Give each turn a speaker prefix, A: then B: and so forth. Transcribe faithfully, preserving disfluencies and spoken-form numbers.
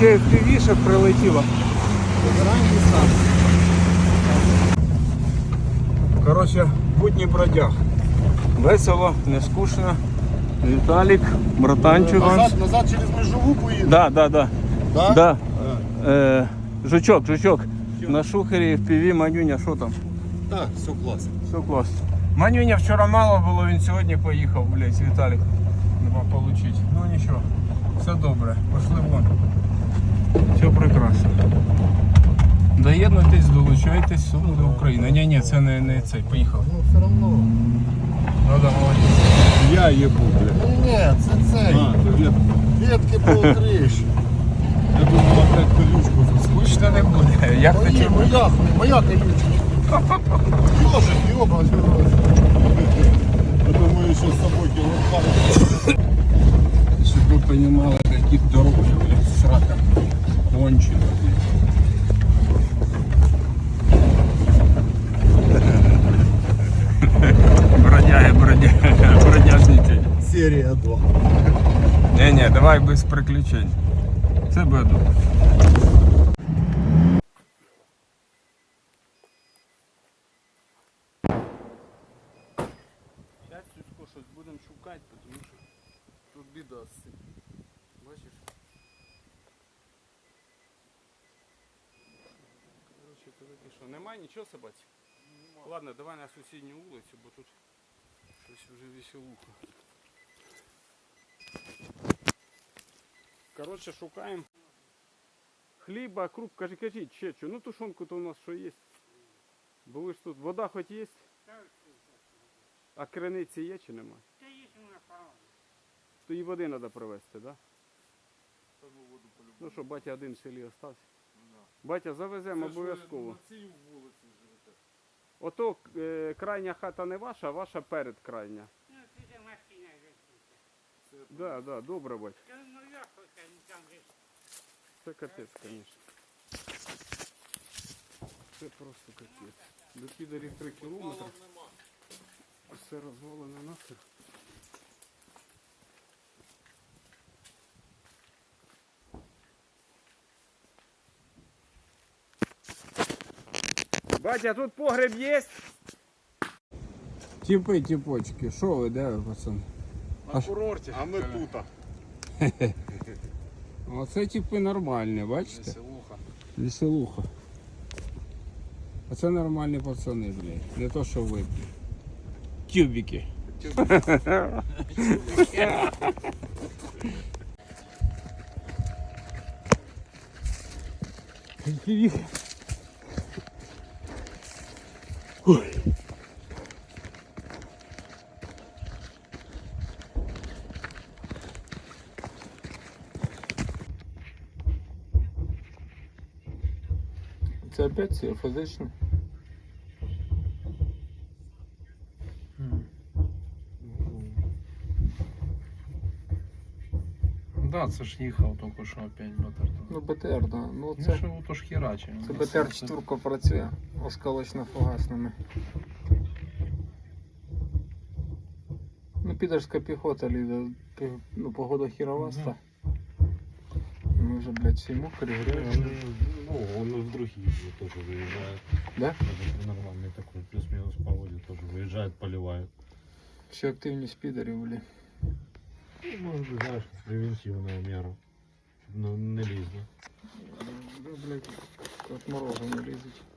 A: ще еф пі ві ще прилетіло. Коротше, будні бродяг. Весело, не скучно. Віталік, братанчик.
B: Назад, назад через межову поїде?
A: Да, да, да.
B: Да?
A: Да. Е, жучок, жучок. На шухері еф пі ві, Манюня, що там?
B: Так, все класно.
A: Все класно. Манюня вчора мало було, він сьогодні поїхав, блядь, Віталік. Нема получить. Ну нічого, все добре, пошли вон. Все прекрасно. Доєднуйтесь, долучайтесь, все буде Україна. Ні, ні, це не, не цей, поїхав.
B: Ну все одно.
A: Ну да, молодець.
B: Я їбу, блядь. Ні, ні, це цей.
A: А, це ветки.
B: Ветки покриш.
A: Я думав, опять колючку тут. Скучно не буде. Як ти
B: Ні,
A: чого?
B: моя, моя колючка. Ёжик, ёба. Я думаю, що з собою кіло.
A: Щоб ви розуміли, які дороги, блядь, срака. Кончено, блядь. Бродяги, бродяги, бродяжники.
B: Серія два.
A: Не-не, давай без приключень. Це буде добре. Зараз Сюсько щось будемо шукати, тому що тут біда з цим. Бачиш? Короче, то таке що, немає нічого собаці? Ладно, давай на сусідню вулицю, бо тут щось вже веселуха. Коротше, шукаємо хліба, круп, кажи, кажіть, чечу. Ну тушонку-то у нас що є. Бо ви ж тут, вода хоч є? А криниці є чи нема?
C: Та є вона пала.
A: То і води треба привезти, так? Да? Ну що, батя один в селі остався? Батя, завеземо обов'язково. Ото е, крайня хата не ваша, а ваша перед крайня.
C: Ну, це машина висута.
A: Так, да, да, добре, батя.
C: Та ну як хоча там же.
A: Це капець, звісно. Це просто капець. До підарів три кілометри. Все розвалене нахер. Батя, тут погреб є? Тіпи, тіпочки, що ви, де ви, пацан?
B: На курорті. А ми тут.
A: Оце типи нормальні, бачите?
B: Веселуха.
A: Веселуха. Оце нормальні пацани, блядь. Не то, що ви, блядь. Тюбики. Ой. Це опять це фізично.
D: Да, це ж їхав тільки що опять БТР.
A: Ну БТР, да. Ну
D: Це
A: це,
D: ж то ж хераче.
A: це БТР чотирка працює осколочно-фугасними. Ну підерська піхота лізе, ну погода хіроваста. Ми вже, блядь, всі мокрі, грязні.
E: Ну, он и в другие тоже выезжает.
A: Да?
E: Это нормальный такой, плюс-минус погоде тоже выезжает, поливает.
A: Всі активні спідери, блядь.
E: Ну, может быть, знаешь, превентивная мера. Но не лезно.
A: Да, блядь, от морозу не лізуть.